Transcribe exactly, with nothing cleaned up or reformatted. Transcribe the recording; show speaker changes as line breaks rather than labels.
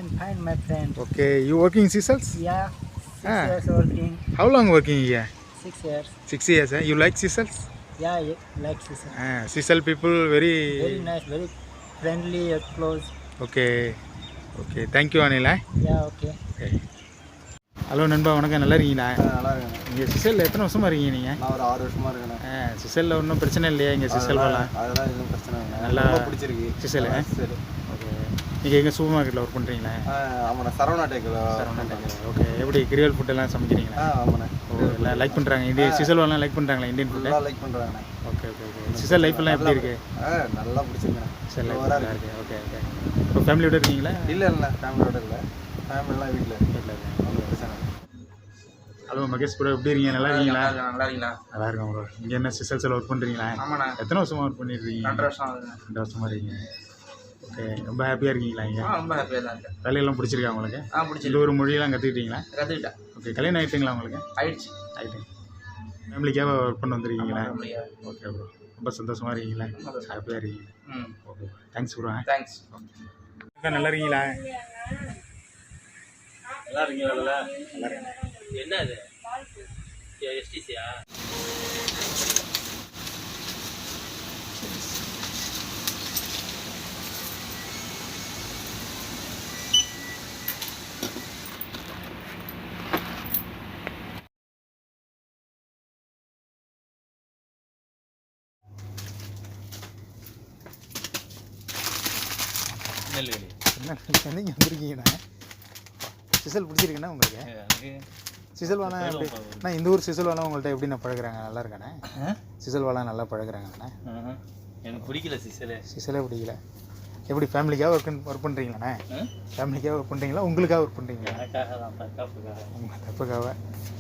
Fine, fine, my friend.
Okay, you working in Seychelles?
Yeah, six
Ah.
years working.
How long working here?
Six years.
Six years. Eh? You like Seychelles?
Yeah, yeah, like sister.
Ah, Seychelles people very.
Very nice, very friendly, uh, close.
Okay. Okay. Thank you, Anil. Eh?
Yeah, okay.
Okay. Hello நண்பா வணக்கம், நல்லா இருக்கீங்களா?
நல்லா இருக்கேன்.
இங்கே சிசலில் எத்தனை வருஷமாக இருக்கீங்க நீங்கள்?
நான் ஒரு ஆறு வருஷமாக இருக்கேன்.
ஆ சிசலில் ஒன்றும் பிரச்சனை இல்லையா இங்கே சிசல் வரலாம்?
அதெல்லாம் எதுவும் பிரச்சனை இல்லை.
நல்லா
ரொம்ப பிடிச்சிருக்கு
சிசல்.
சரி.
ஓகே, நீங்கள் எங்கே சூப்பர் மார்க்கெட்டில் ஒர்க் பண்ணுறீங்களா?
ஆமாண்ணா, சரவணா டேக்கில்.
சரவணா டேக்கில். ஓகே, எப்படி கிரியல் ஃபுட்டெல்லாம் சமைக்கிறீங்களா?
ஆ ஆமாண்ணா.
ஓ, எல்லாம் லைக் பண்ணுறாங்க இந்திய சிசல் வரலாம் லைக் பண்ணுறாங்களா இந்தியன் ஃபுட்டு?
நல்லா லைக் பண்ணுறாங்கண்ணா.
Okay okay okay. சிசல் லைஃப்லாம் எப்படி இருக்குது?
ஆ நல்லா பிடிச்சிருக்கேண்ணா.
சிசல் லைஃப் நல்லா இருக்குது. Okay okay. இப்போ ஃபேமிலியோட இருக்கீங்களா?
இல்லை இல்லை ஃபேமிலியோட இல்லை. ஃபேமிலிலாம் வீட்டில்
வீட்டில் இருக்கேன்.
ஒன்றும் பிரச்சனை இல்லை.
ஹலோ மகேஷ் ப்ரோ, எப்படி இருக்கீங்க? நல்லா இருக்கீங்களா?
நல்லா இருக்கீங்களா?
நல்லா இருக்கேன் ப்ரோ. இங்கே என்ன சிசல்ஸில் ஒர்க் பண்ணுறீங்களா?
ஆமாண்ணா,
எத்தனை வருஷமாக ஒர்க் பண்ணிட்டுருக்கீங்க?
ரெண்டு வருஷம் ஆகுதுண்ணா.
ரெண்டு வருஷமாக இருக்கீங்க. ஓகே, ரொம்ப ஹாப்பியாக இருக்கீங்களா இங்கே?
ஆ ரொம்ப ஹாப்பியாக தான் இருக்கேன்.
வேலையெல்லாம் பிடிச்சிருக்கா உங்களுக்கு?
ஆ பிடிச்சி
இந்த ஒரு மொழியெல்லாம் கற்றுக்கிட்டீங்களா?
கற்றுக்கிட்டேன்.
ஓகே, கல்யாணம் ஆகிட்டுங்களா உங்களுக்கு?
ஆயிடுச்சு.
ஆகிட்டு ஃபேமிலிக்காக ஒர்க் பண்ண வந்துருக்கீங்களா?
முடியாது.
ஓகே ப்ரோ, ரொம்ப சந்தோஷமாக இருக்கீங்களா? ஹாப்பியாக இருக்கீங்க.
ம்
ஓகே, தேங்க்ஸ் ப்ரோ.
தேங்க்ஸ்.
அக்கா நல்லா இருக்கீங்களா?
நல்லா இருக்கீங்களா?
நல்லா இருக்கேன்.
என்ன இது எஸ்டிசியா? நெல்வேலி.
என்ன நீங்கள் வந்திருக்கீங்கண்ணா? சிசல் பிடிச்சிருக்குண்ணா உங்களுக்கு?
எனக்கு
சிசல் வாழை எப்படி நான் இந்த ஊர் சிசல் வாழை உங்கள்கிட்ட எப்படி நான் பழகுறாங்க? நல்லா இருக்கானே சிசல் வாழை நல்லா பழகுறாங்கண்ணே?
எனக்கு பிடிக்கல சிசலே.
சிசலே பிடிக்கல. எப்படி ஃபேமிலிக்காக ஒர்க் ஒர்க் பண்ணுறீங்களாண்ணே? ஃபேமிலிக்காக ஒர்க் பண்ணுறீங்களா உங்களுக்காக ஒர்க் பண்ணுறீங்களா?
எனக்காக தான், தப்புக்காக.
உங்கள் தப்புக்காக.